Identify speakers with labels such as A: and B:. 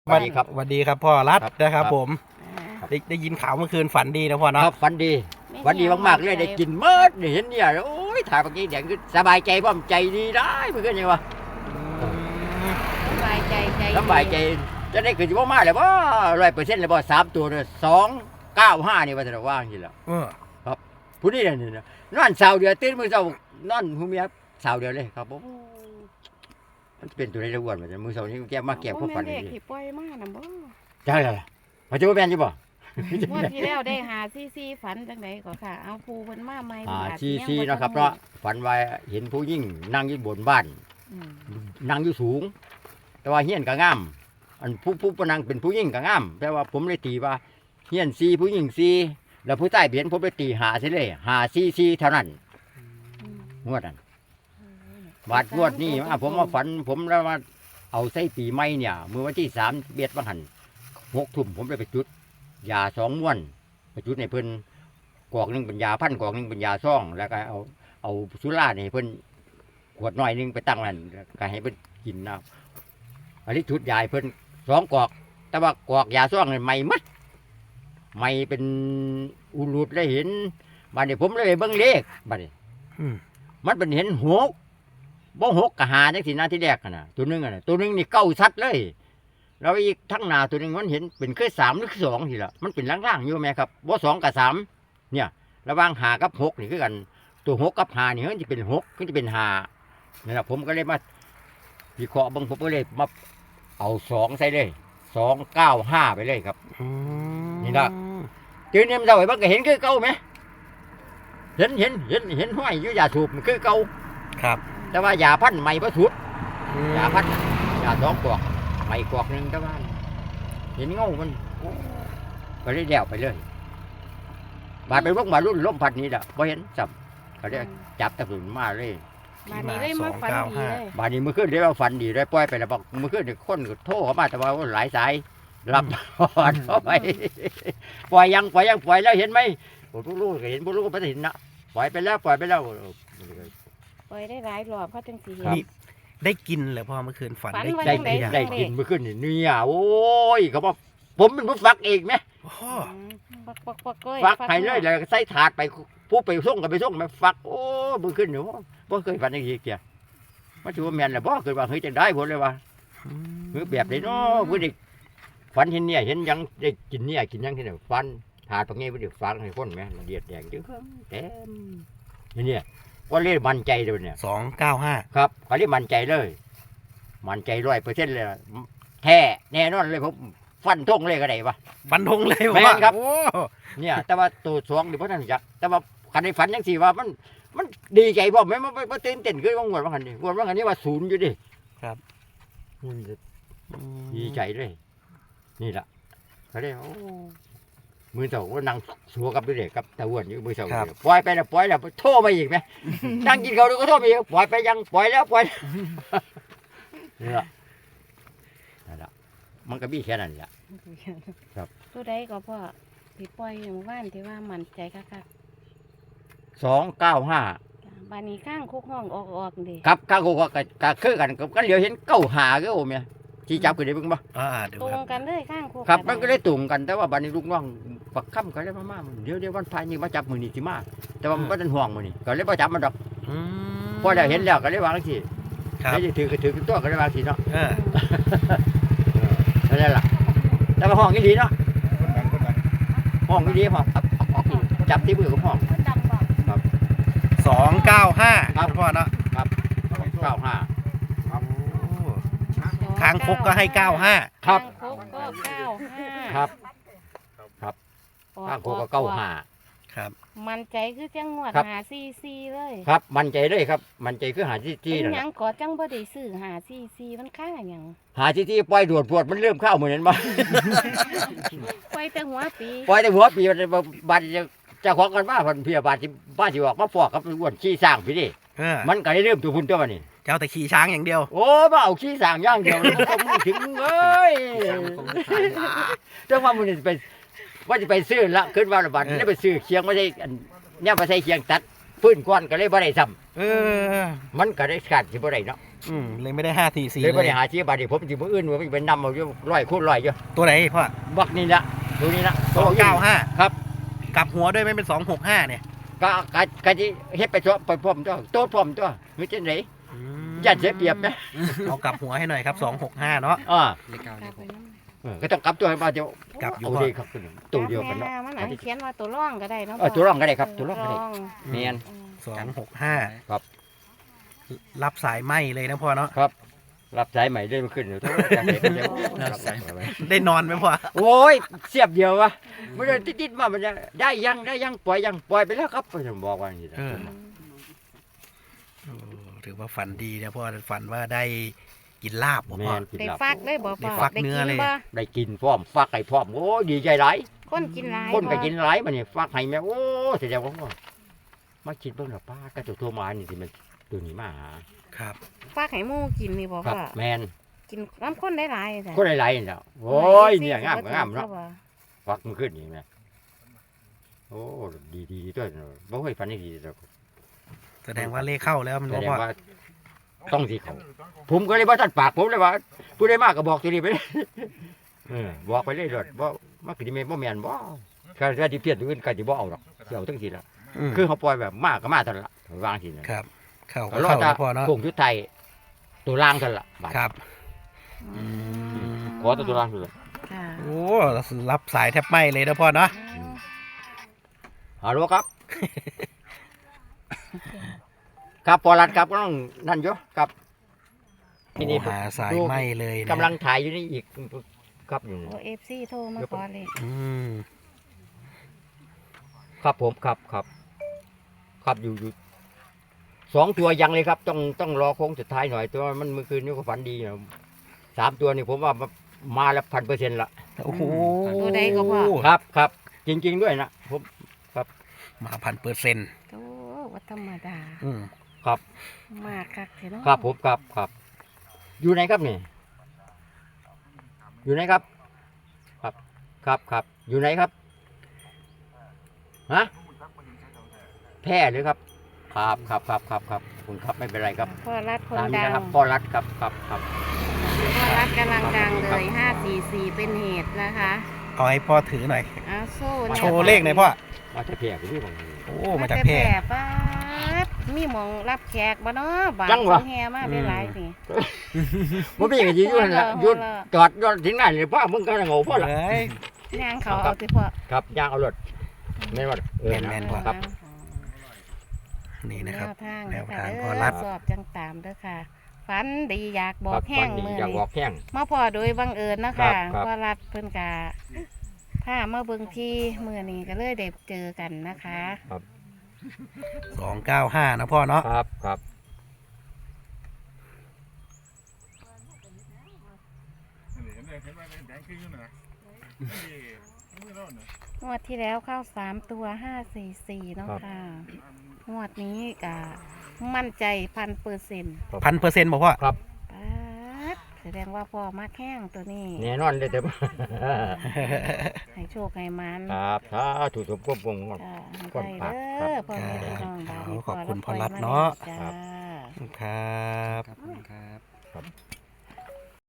A: สวัสดีครับ
B: สวัสดีครับพ่อรัฐ
A: ครับ
B: นะครับ
A: ครับ
B: ผม
A: ครับ
B: ได้ยินข่าวเมื่อคืนฝันดีนะพ่อเนาะ
A: ครับฝันดีฝันดีมากๆเลยได้กินเมิดนี่เห็นเนี่ยโอ้ยถ่ายเมื่อกี้เดี๋ยวสบายใจพ่อมใจดีได้เพื่อนยังวะ
C: สบายใจใจ
A: สบายใจจะได้เกิดที่ว่ามาเลยว่า100%เลยบ่3ตัวเนี่ย295นี่ว่าจะว่างจริงแล้ว
B: เออ
A: ผู้นี้เนี่ยนอนเสาเดียวตื่นมื้อเช้านอนหูเมียเสาเดียวเลยครับโอ้มันเป็นตัวในระวนมันมื้อเช้านี้แกมาแก็บความฝัน
C: เด็
A: นี่
C: กที่ปล่อยมาน่ะบ่
A: ใช่ล่ะมาจะว่าแม่นอยู่บ่
C: งวดที่แล้วได้หาซีฝันจังไดก็ค่ะ เอาปูเพิ่นมาใหม่
A: ชีเนาะครับเนาะฝันว่าเห็นผู้หญิงนั่งอยู่บนบ้าน นั่งอยู่สูง แต่ว่าเฮียนก็งามอันผู้นั่งเป็นผู้หญิงก็งามแต่ว่าผมเลยตีว่าเฮียนซีผู้หญิงซีแล้วผู้ใต้เบียนผมเลยตีหาซิเลยหาซีเท่านั้นงวดนั้นบาดงวดนี้ผมมาฝันผมแล้วมาเอาใส่ปีใหม่เนี่ยเมื่อวันที่3เบียดบังหัน6 ทุ่มผมเลยไปจุดยา2 ม้วนไปจุดในเพิ่นกอกหนึงเป็นยาพันกอกหนึงเป็นยาซ่องแล้วก็เอาสุราเนี่ยเพิ่นขวดน้อยหนึงไปตั้งนั่นก็ให้เพิ่นกินนะอันนี้ชุดยายเพิ่น2 กอกแต่ว่ากอกยาซ่องเนี่ยใหม่มัดใหม่เป็นอุลุดเลยเห็นบัดนี้ผมเลยเบิ่งเลขบัดนี้
B: อืม
A: มันเป็นเห็นหกบ่หกกับหาจังสินะที่แรกน่ะตัวหนึงน่ะตัวหนึงนี่เก้าชัดเลยแล้วอีกทั้งหน้าตัวหนึงมันเห็นเป็นคือ3หรือ2ทีละมันเป็นล่างๆอยู่แม่ครับบ่2กับ3เนี่ยระหว่างหากับ6นี่คือกันตัว6กับหานี่มันจะเป็น6มันจะเป็นหานี่ล่ะผมก็เลยมาวิเคราะห์เบิ่งผมก็เลยมาเอา2ใส่เลย295ไปเลยครับ
B: อืม
A: นี่ล่ะ ตื่นเนี่ยมันเจ้าไอ้เบิ่งก็เห็นคือเก่าไหมเห็นห้อยอยู่ยาสูบมันคือเก่า
B: ครับ
A: แต่ว่ายาพันธุ์ใหม่บ่สุด
B: อืม
A: ยาพันธุ์ยา2 กอกใหม่กอกหนึงแต่ว่าเห็นเงามันก็เลยเดี่ยวไปเลยบาดไปพวกมารุ่นล้มพัดนี้ล่ะบ่เห็นจับก็เลยจับตะกุนมาเลย
C: มานี้ได้มาฝันดีเลย
A: บาดนี้เมื่อคืนได้ว่าฝันดีได้ปล่อยไปแล้วบอกเมื่อคืนนี่คนก็โทรเข้ามาแต่ว่าหลายสายรับพอดเข้าไปปล่อยแล้วเห็นไหมโอ้ลูกก็เห็นพวกลูกก็ไม่เห็นนะปล่อยไปแล้ว
C: ปล่อยได้หลายรอบเขาจังสิเห็น
B: นี่ได้กินเหรอพ่อเมื่อคืนฝัน
C: ฝัน
B: ได้
C: ว่า
B: กิ
A: ได้
B: น
C: จัง
B: หรือยัง
C: ใด
A: ได้กินเมื่อคืนนี่เนี่ยโอ้ยเขาบอกผมเป็นผู้ฟักเองไหม
B: โอ้
C: ฟักก้อย
A: ฟักไปเลยแล้วใส่ถาดไปผู้ไปส่งกับไปส่งไปฟักโอ้เมื่อคืนหนูบ่เคยฝันอย่างนี้เกี่ยมันถือว่าแมนแหละบ่เคยว่าเฮ้ยจะได้ผลเลยว่า
B: อืม
A: คือแบบไหนเนาะเพื่อเด็กฝันเห็นเนี่ยเห็นยังได้กินเนี่ยกินยังที่ไหนฟันถาดตรงนี้เพื่อเด็กฟังให้คนไหมละเอียดแดงจึ๊งเต็มเนี่ยก็เรียกมั่นใจเลยเนี่ย
B: 295
A: ครับเขาเรียกมั่นใจเลย มั่นใจ100%เลยแท้แน่นอนเลยผมฟันทงเลยก็ได้ปะ
B: ฟันธงเลย
A: แม่น
B: ว่า
A: ครับ
B: โอ้
A: เนี่ย แต่ว่าตัวสองเดี๋ยวพ่อท่านจักแต่ว่าคันในฝันยังสี่ว่ามันดีใจบ่แม่มันตื่นเต้นขึ้นว่างวดว่าคันนี้งวดว่าคันนี้ว่าศูนย์อยู่ดิมันจะดีใจเลยนี่แหละเขาเรียกโอ้มือเสาก็นั่งสัวกับเด็กกับตะวันอยู่มือเสาปล่อยไปแล้วโทษมาอีกไหมนั่งกินเขาดูก็โทษมาอีกปล่อยไปยังปล่อยแล้วนี่แหละนั่นแหละมันก็มีแค่นั้นแหละ
C: ตัวใดก็พ่อที่ปล่อยอย่างว่านที่ว่ามั่นใจคัก
A: 295
C: ๆบ้านนี้ข้างคุกห้องออกดิ
A: ครับข้าวก็คือกันก็เหลียวเห็นเก้าหาก็โอ้เมียที่จับกันได้เบิ่งบ่
B: เดี๋ยว
C: ตร
B: ครั
C: ง
B: บ
C: กันเลยข้างคุก
A: ครับมันก็ได้ตุ่มกันแต่ว่าบัดนี้ลูกน้องปักค่ำก็ได้มาเดี๋ยววันพายนี่มาจับมือนี่สิมาแต่ว่ามันบ่ทันห่วงมื้อนี่ก็เลยบ่จับมันดอก
B: อืม
A: พอได้เห็นแล้วก็เลยวางสิ
B: ครับ
A: ได้ถือก็ถือตัวก็เลยวางสิเนาะ
B: เออ
A: นั่นแหละแต่ว่าห้องอีหลีเนาะห้องอีหลีห้องจับที่มือของห้อง
C: มันดำบอก
B: 295
A: ครับ
B: พ่อเนาะ
A: 95
B: โอ้คางคกก็ให้95
A: ครับ
C: ข้างคุกก็95
A: ครับข้างโคก็95
B: ครับ
C: มันใจคือจังหวัด
A: ครับ
C: หาซีเลย
A: ครับมั่นใจเลยครับมั่นใจคือหาที่
C: เป็น
A: นั่น
C: หยั
A: ล่ะ
C: งก่อจังบ่ได้ซื้อหาซีมันค่าหยัง
A: หาที่ปล่อยดวดพวดมันเริ่มเข้าเหมือนนั้นบ่
C: ไปแต่หัวปี
A: ปล่อยแต่หัวปีบาดเจ้าของกันมาพันเพียบาดที่บ้านสิออกมาฟอกกับอ้วนขี้สร้างพี่ดิ
B: เออ
A: มันก็ได้เริ่มตัวพุ่นตัวมันนี่
B: เจ้าแต่ขี่ช้างอย่างเดียว
A: โอ้มาเอาขี้สร้างอย่างเดียวเลยผมถึงเอ้ยจังว่ามันจะไปว่าจะไปซื้อละขึ้นว่าละบาทได้ไปซื้อเคียงไม่ใช่เนี่ยไปใส่เคียงตัดฟื้นก้อนก็เลยบ่ได้ซ้
B: เออ
A: ำมันก็ได้ขาดสิบ่ได้เนาะ
B: เลยไม่ได้5-4-4
A: เลยบ่
B: เล
A: ได้
B: ย
A: หาชีบาดนี้ผมสิมื้ออื่นว่าไปนำเอาอยู่100คูณ100อยู่
B: ตัวไหนพ่อ
A: บักนี่ละดูนี่ละ
B: 295
A: ครับ
B: กลับหัวด้วยไม่เป็น265เนี่ย
A: ก็สิเฮ็ดไปไปพร้อมตัวโตพร้อมตัวคือจังได๋ย่านเสียเปรียบนะ
B: เอากลับหัวให้หน่อยครับ265เนาะ
A: เลข
C: กลับไปน้ำ
A: ก็ต้องกลับตัวให้มาเดี๋ยว
B: กลับอยู่
A: เอา
B: พ่อ
A: ดีครับตัวเดียวกันเนาะ
C: มันอาจจะเขียนว่าตัวร่องก็ได้เนาะ
A: ตัวร่องก็ได้ครับตัวร่องก็ได้แม่น
B: 265
A: ครับ
B: รับสายไหมเลยนะพ่อเนาะ
A: ครับรับสายใหม่ได้มาขึ้นอยู่จังได๋ก็จะรับสาย
B: ได้นอนไหมพ่อ
A: โอ้ยเสียบเดียววะไม่ได้ติดๆมามันจะได้ยังปล่อยไปแล้วครับผมบอกว่าอย่างนี้นะ
B: ถือว่าฝันดีนะพ่อฝันว่าได้กินลาบบ่
A: แม่
B: พ่อน
A: กิน
C: ได้
A: ลาบ
C: ฟักเลยบ่
B: ได้
C: พ่อ
B: ฟัก
C: ได้
B: เนื้อ
C: กิน
B: เลย
C: บ่
A: ได้กินพร้อมฟักไก่พร้อมโอ้ดีใจหลาย
C: คนกินหลาย
A: คนก็
C: บ่
A: กินหลายมันนี่ฟักให้แม่โอ้แสดงว่ามาคิดเบิ่งน่ะป้าก็จะโทรมานี่สิมันตัวนี้มาหา
B: ครับ
C: ฟักให้หมูกินนี่บ่
A: ครับ
C: พ่อ
A: แม่น
C: กินน้ำข้นได้หลายจ้ะ
A: คนหลายๆนี่แหละโอ้ยเนี่ยงามก็งามเนาะฟักมันขึ้นนี่แม่โอ้ดีตัวเนาะบ่เคยฝันได้ดีดอก
B: แสดงว่าเลขเข้าแล้วมัน
A: แส
B: บ่
A: ดง
B: พ่อ
A: ว่าต้องสิเขาผมก็เลยว่าท่านปากผมเลยว่าผู้ใดมากก็บอกตัวนี้ไปเลย บอกไปเลยรถบ่มาคือแม่นบ่แม่นบ่ถ้าสิเพี้ยนตัวอื่นก็สิบ่เอาดอกสิเอาทั้งทีละคือเขาปล่อยแบบมากก็มาเท่านั้นละวางทีนะครับ
B: เข้า
A: ก็
B: ก็
A: รอ
B: เข้า
A: แต่
B: นะพ่อเนาะ
A: โค้งชุดไทยตัวล่างเท่านั้นละบาด
B: ครับ
A: ขอตัวล่างเท่านั้น
C: ค่ะ
B: โอ้รับสายแทบไหมเลยนะพ่อเนาะ
A: ฮัลโหลครับ ครับปอรัดครับก็ต้องนั่นอยู่ครับ
B: โอ้หาสายไหมเลยนะ
A: กำลังถ่ายอยู่นี่อีกครับอยู่
C: โอ้ FC โทรมาขอเลย
A: ครับผมครับอยู่2 ตัวยังเลยครับต้องรอโค้งสุดท้ายหน่อยตัวมันเมื่อคืนนี้ก็ฝันดีนะ3 ตัวนี่ผมว่ามาแล้ว1,000%ละ
B: โอ้โห
C: ตัวใดก็พ่อ
A: ครับจริงๆด้วยนะผม
B: มา1,000%
C: โอ้ว่าธรรมดา
A: ครับ
C: มากคักเถอะเนาะ
A: ครับผมครับอยู่ไหนครับนี่อยู่ไหนครับครับอยู่ไหนครับฮะแพร่หรือครับครับคุณครับไม่เป็นไรครับ
C: พ่อรัดคน
A: ตามนี้
C: ดัง
A: นะครับพ่อรัดครับ
C: พ่อรัดกำลังดังเลย544เป็นเหตุนะคะ
B: เอาให้พ่อถือหน่อย
C: เอาโซ่นี่ย
B: โชว์เลขหน่อยพ่อ
A: มาจะแพร่ไปที่ผม
B: โอ้มาจากแพร่
C: ป้าดมีหมองรับแขกบ่เนาะบาท
A: จังหวะ
C: แห่มาได้หลายนี่
A: มันเป็นอย่างนี้อยู่นั่นแหละหยุดจอดถึงไหนเลยพ่อมึงก็งงพ่อละ
B: เฮ้ย
C: ย่างเขาเอาสิพ่อ
A: ครับย่างเอารถแม่นว่า
B: แม่น
A: ครับ
B: นี่นะครับ
C: แนวทาง
B: แนวทาง
C: เด้
B: พ่อรัฐ
C: สอบจังตามเด้อค่ะฝันดีอยากบอกแห้ง
A: วันนี้
C: มือ
A: อยาก
C: นี้
A: บอกแห้ง
C: มาพอโดยบังเอิญเนาะ
A: ครั
C: ค่ะ
A: บครับ
C: พ่อรัดเพิ่นกาถ้ามาเบิ่งที่มือนี้ก็เลยได้เจอกันนะคะ
B: 295นะพ่อเนาะ
A: ครับ
C: งวดที่แล้วเข้า3 ตัว544เนาะค่ะงวดนี้ก็มั่นใจ1,000%
B: 1,000%บอกพ่อ
A: ครับ
C: ป๊าดแสดงว่าพ่อมาแข้งตัวนี้
A: แน่นอนเลยแต่
C: ให้โชคให้มัน
A: ครับถ้าถูกสมควบวง
C: จ้า
A: ก่
C: ให้
A: อน
C: ได้
A: พัก
C: เด้อพ่อแม่พี่น้องบ้านนี้
B: ขอบคุณ
C: รับ
B: พ่อรัฐ
C: ปล่ยม
B: เนาะ
C: จ้า
B: ครับ
D: ครับ